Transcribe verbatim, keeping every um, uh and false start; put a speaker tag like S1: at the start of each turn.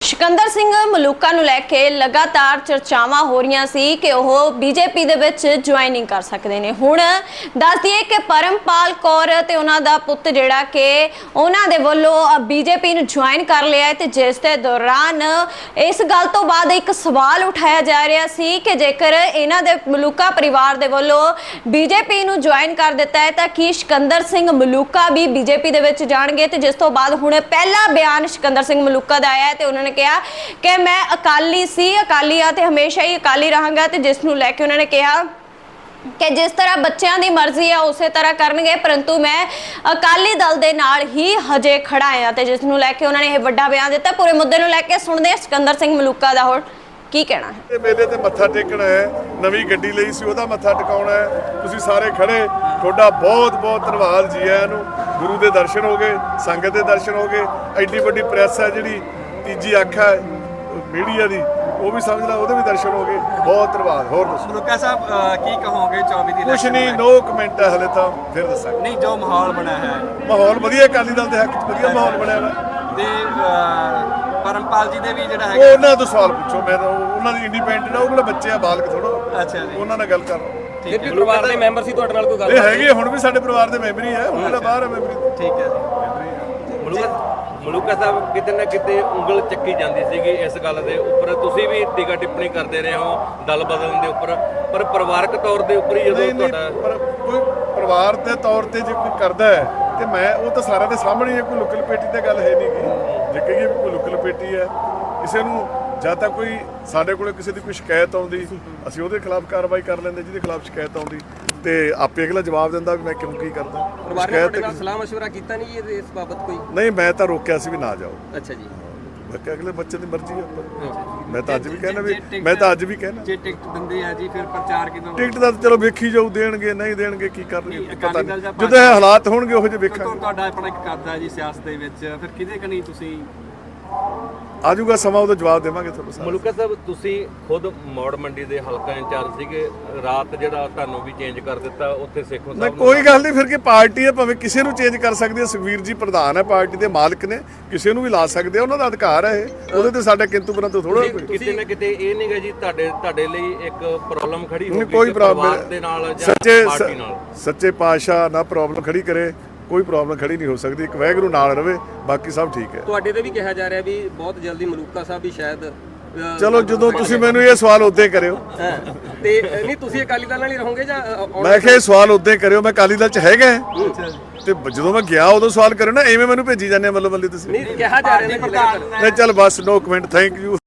S1: सिकंदर सिंह मलूका ਨੂੰ ਲੈ ਕੇ ਲਗਾਤਾਰ ਚਰਚਾਵਾਂ ਹੋ ਰਹੀਆਂ ਸੀ ਕਿ ਉਹ ਬੀਜੇਪੀ ਦੇ ਵਿੱਚ ਜੁਆਇਨਿੰਗ ਕਰ ਸਕਦੇ ਨੇ। ਹੁਣ ਦੱਸ ਦਈਏ ਕਿ ਪਰਮਪਾਲ ਕੌਰ ਤੇ ਉਹਨਾਂ ਦਾ ਪੁੱਤ ਜਿਹੜਾ ਕਿ ਉਹਨਾਂ ਦੇ ਵੱਲੋਂ ਬੀਜੇਪੀ ਨੂੰ ਜੁਆਇਨ ਕਰ ਲਿਆ ਹੈ ਤੇ ਜਿਸ ਦੇ ਦੌਰਾਨ ਇਸ ਗੱਲ ਤੋਂ ਬਾਅਦ ਇੱਕ ਸਵਾਲ ਉਠਾਇਆ ਜਾ ਰਿਹਾ ਸੀ ਕਿ ਜੇਕਰ ਇਹਨਾਂ ਦੇ ਮਲੂਕਾ ਪਰਿਵਾਰ ਦੇ ਵੱਲੋਂ ਬੀਜੇਪੀ ਨੂੰ ਜੁਆਇਨ ਕਰ ਦਿੱਤਾ ਹੈ ਤਾਂ ਕੀ ਸਿਕੰਦਰ ਸਿੰਘ ਮਲੂਕਾ ਵੀ ਬੀਜੇਪੀ ਦੇ ਵਿੱਚ ਜਾਣਗੇ। ਤੇ ਜਿਸ ਤੋਂ ਬਾਅਦ ਹੁਣ ਪਹਿਲਾ ਬਿਆਨ ਸਿਕੰਦਰ ਸਿੰਘ ਮਲੂਕਾ ਦਾ ਆਇਆ ਹੈ ਤੇ ਉਹਨਾਂ ਨੇ ਕਿਹਾ कि मैं अकाली सी अकाली आ ते हमेशा ही अकाली रहांगा। ते जिस नूं लैके उन्होंने कहा कि जिस तरह बच्चों की मर्जी है उस तरह करनगे परंतु मैं अकाली दल दे नाल ही हजे खड़ा हाँ। ते जिस नूं लैके उन्होंने यह वड्डा बयान दिता। पूरे मुद्दे नूं लैके सुणदे हां सिकंदर सिंह मलूका दा हुण की कहना है।
S2: मेले ते मत्था टेकना है, नवी गड्डी लई सी ओहदा मत्था टिकाउणा है। तुसीं सारे खड़े, तुहाडा बहुत बहुत धन्नवाद जी आयां नूं। गुरु दे दर्शन हो गए, संगत दे दर्शन हो गए, एड्डी वड्डी प्रैस है जिहड़ी तीजी अख है मीडिया दी वो भी समझ ला, ਉਹਦੇ भी दर्शन हो गए। बहुत धन्यवाद। होर दसो
S3: मलूका साहब की कहोगे चौबी दी
S2: कुछ नहीं, नो कमेंट है हले तो फिर दसांगे।
S3: नहीं जो माहौल बना है
S2: माहौल वधिया अकाली दल दे हक च वधिया माहौल बनया है
S3: ते परमपाल जी दे भी ਜਿਹੜਾ
S2: है। ਉਹਨਾਂ ਤੋਂ ਸਵਾਲ ਪੁੱਛੋ, ਮੈਂ ਤਾਂ ਉਹਨਾਂ ਦੀ ਇੰਡੀਪੈਂਡੈਂਟ ਆ, ਉਹ ਕਿਹੜਾ ਬੱਚੇ ਆ ਬਾਲਕ ਥੋੜਾ।
S3: ਅੱਛਾ ਜੀ,
S2: ਉਹਨਾਂ ਨਾਲ ਗੱਲ ਕਰ
S3: ਠੀਕ ਹੈ। ਪਰਿਵਾਰ ਦੇ ਮੈਂਬਰ ਸੀ ਤੁਹਾਡੇ ਨਾਲ ਕੋਈ ਗੱਲ?
S2: ਇਹ ਹੈਗੇ ਹੁਣ ਵੀ ਸਾਡੇ ਪਰਿਵਾਰ ਦੇ ਮੈਂਬਰ ਹੀ ਹੈ, ਉਹਨਾਂ ਦਾ ਬਾਹਰ ਹੈ ਮੈਂਬਰ।
S3: ਠੀਕ ਹੈ ਜੀ।
S4: ਮਲੂਕਾ ਮਲੂਕਾ ਸਾਹਿਬ ਕਿਤੇ ਨਾ ਕਿਤੇ ਉਂਗਲ ਚੱਕੀ ਜਾਂਦੀ ਸੀਗੀ ਇਸ ਗੱਲ ਦੇ ਉੱਪਰ, ਤੁਸੀਂ ਵੀ ਟੀਕਾ ਟਿੱਪਣੀ ਕਰਦੇ ਰਹੇ ਹੋ ਦਲ ਬਦਲਣ ਦੇ ਉੱਪਰ, ਪਰ ਪਰਿਵਾਰਕ ਤੌਰ ਦੇ ਉੱਪਰ ਹੀ ਜਦੋਂ ਤੁਹਾਡਾ
S2: ਪਰ ਕੋਈ ਪਰਿਵਾਰ ਦੇ ਤੌਰ ਤੇ ਜੇ ਕੋਈ ਕਰਦਾ ਹੈ ਤੇ ਮੈਂ ਉਹ ਤਾਂ ਸਾਰਿਆਂ ਦੇ ਸਾਹਮਣੇ ਹੈ, ਕੋਈ ਲੁੱਕ ਲਪੇਟੀ ਤੇ ਗੱਲ ਹੈ ਨਹੀਂ ਗੀ। ਜੇ ਕਹੀਏ ਵੀ ਕੋਈ ਲੁੱਕ ਲਪੇਟੀ ਹੈ ਕਿਸੇ ਨੂੰ, ਜਾਂ ਤਾਂ ਕੋਈ ਸਾਡੇ ਕੋਲ ਕਿਸੇ ਦੀ ਕੋਈ ਸ਼ਿਕਾਇਤ ਆਉਂਦੀ ਅਸੀਂ ਉਹਦੇ ਖਿਲਾਫ ਕਾਰਵਾਈ ਕਰ ਲੈਂਦੇ, ਜਿਹਦੇ ਖਿਲਾਫ ਸ਼ਿਕਾਇਤ ਆਉਂਦੀ ਤੇ ਆਪੇ ਅਗਲਾ ਜਵਾਬ ਦਿੰਦਾ ਵੀ ਮੈਂ ਕਿਉਂ ਕੀ ਕਰਦਾ।
S3: ਪਰਿਵਾਰ ਨੇ ਤੁਹਾਡੇ ਨਾਲ ਸਲਾਹ ਮਸ਼ਵਰਾ ਕੀਤਾ ਨਹੀਂ ਇਹ ਇਸ ਬਾਬਤ ਕੋਈ?
S2: ਨਹੀਂ, ਮੈਂ ਤਾਂ ਰੋਕਿਆ ਸੀ ਵੀ ਨਾ ਜਾਓ।
S3: ਅੱਛਾ ਜੀ,
S2: ਮੈਂ ਕਿਹਾ ਅਗਲੇ ਬੱਚੇ ਦੀ ਮਰਜ਼ੀ ਹੈ। ਮੈਂ ਤਾਂ ਅੱਜ ਵੀ ਕਹਿਣਾ ਵੀ ਮੈਂ ਤਾਂ ਅੱਜ ਵੀ ਕਹਿਣਾ ਜੇ
S3: ਟਿਕਟ ਦਿੰਦੇ ਆ ਜੀ ਫਿਰ ਪ੍ਰਚਾਰ ਕਿਦੋਂ?
S2: ਟਿਕਟ ਦਾ ਚਲੋ ਵੇਖੀ ਜਾਊ, ਦੇਣਗੇ ਨਹੀਂ ਦੇਣਗੇ ਕੀ ਕਰਨਗੇ ਪਤਾ ਨਹੀਂ, ਜਦੋਂ ਇਹ ਹਾਲਾਤ ਹੋਣਗੇ ਉਹੋ ਜਿਹੇ ਵੇਖਾਂਗੇ।
S3: ਤੁਹਾਡਾ ਆਪਣਾ ਇੱਕ ਕਰਦਾ ਜੀ ਸਿਆਸਤ ਦੇ ਵਿੱਚ, ਫਿਰ ਕਿਹਦੇ ਕਨੀ ਤੁਸੀਂ
S2: ਆਜੂਗਾ ਸਮਾਂ, ਉਹਦਾ ਜਵਾਬ ਦੇਵਾਂਗੇ ਤੁਹਾਨੂੰ।
S4: ਮਲੂਕਾ ਸਾਹਿਬ ਤੁਸੀਂ ਖੁਦ ਮੌੜ ਮੰਡੀ ਦੇ ਹਲਕਾ ਇੰਚਾਰਜ ਸੀਗੇ, ਰਾਤ ਜਿਹੜਾ ਤੁਹਾਨੂੰ ਵੀ ਚੇਂਜ ਕਰ ਦਿੱਤਾ ਉੱਥੇ ਸੇਖੋਂ ਸਾਹਿਬ।
S2: ਕੋਈ ਗੱਲ ਨਹੀਂ, ਫਿਰ ਕੀ ਪਾਰਟੀ ਹੈ, ਭਾਵੇਂ ਕਿਸੇ ਨੂੰ ਚੇਂਜ ਕਰ ਸਕਦੀ ਹੈ। ਸੁਖਵੀਰ ਜੀ ਪ੍ਰਧਾਨ ਹੈ, ਪਾਰਟੀ ਦੇ ਮਾਲਕ ਨੇ, ਕਿਸੇ ਨੂੰ ਵੀ ਲਾ ਸਕਦੇ ਆ, ਉਹਨਾਂ ਦਾ ਅਧਿਕਾਰ ਹੈ ਇਹ, ਉਹਦੇ ਤੇ ਸਾਡਾ ਕਿੰਤੂ ਪਰੰਤੂ ਥੋੜਾ ਕੋਈ।
S4: ਕਿਤੇ ਨਾ ਕਿਤੇ ਇਹ ਨਹੀਂ ਗਾ ਜੀ ਤੁਹਾਡੇ ਤੁਹਾਡੇ ਲਈ ਇੱਕ ਪ੍ਰੋਬਲਮ ਖੜੀ ਹੋ ਗਈ
S2: ਕੋਈ ਪ੍ਰੋਬਲਮ
S4: ਦੇ ਨਾਲ ਜਾਂ
S2: ਸੱਚੇ
S4: ਪਾਰਟੀ ਨਾਲ?
S2: ਸੱਚੇ ਪਾਤਸ਼ਾਹ ਨਾ ਪ੍ਰੋਬਲਮ ਖੜੀ ਕਰੇ, ਕੋਈ ਪ੍ਰੋਬਲਮ ਖੜੀ ਨਹੀਂ ਹੋ ਸਕਦੀ। ਇੱਕ ਵਾਹਿਗੁਰੂ ਨਾਲ ਰਵੇ, ਬਾਕੀ ਸਭ ਠੀਕ ਹੈ।
S3: ਤੁਹਾਡੇ ਤੇ ਵੀ ਕਿਹਾ ਜਾ ਰਿਹਾ ਵੀ ਬਹੁਤ ਜਲਦੀ ਮਲੂਕਾ ਸਾਹਿਬ ਵੀ ਸ਼ਾਇਦ
S2: ਚਲੋ ਜਦੋਂ ਤੁਸੀਂ ਮੈਨੂੰ ਇਹ ਸਵਾਲ ਉਦੋਂ ਹੀ ਕਰਿਓ।
S3: ਤੇ ਨਹੀਂ ਤੁਸੀਂ ਅਕਾਲੀ ਦਲ ਨਾਲ ਹੀ ਰਹੋਗੇ ਜਾਂ?
S2: ਮੈਂ ਕਿਹਾ ਇਹ ਸਵਾਲ ਉਦੋਂ ਹੀ ਕਰਿਓ, ਮੈਂ ਅਕਾਲੀ ਦਲ ਚ ਹੈਗਾ ਤੇ ਜਦੋਂ ਮੈਂ ਗਿਆ ਉਦੋਂ ਸਵਾਲ ਕਰਿਓ ਨਾ, ਐਵੇਂ ਮੈਨੂੰ ਭੇਜੀ ਜਾਂਦੇ ਮੱਲੋ ਮੱਲੀ ਤੁਸੀਂ।
S3: ਨਹੀਂ ਕਿਹਾ ਜਾ ਰਿਹਾ
S2: ਨਹੀਂ ਚੱਲ ਬਸ, ਨੋ ਕਮੈਂਟ, ਥੈਂਕ ਯੂ।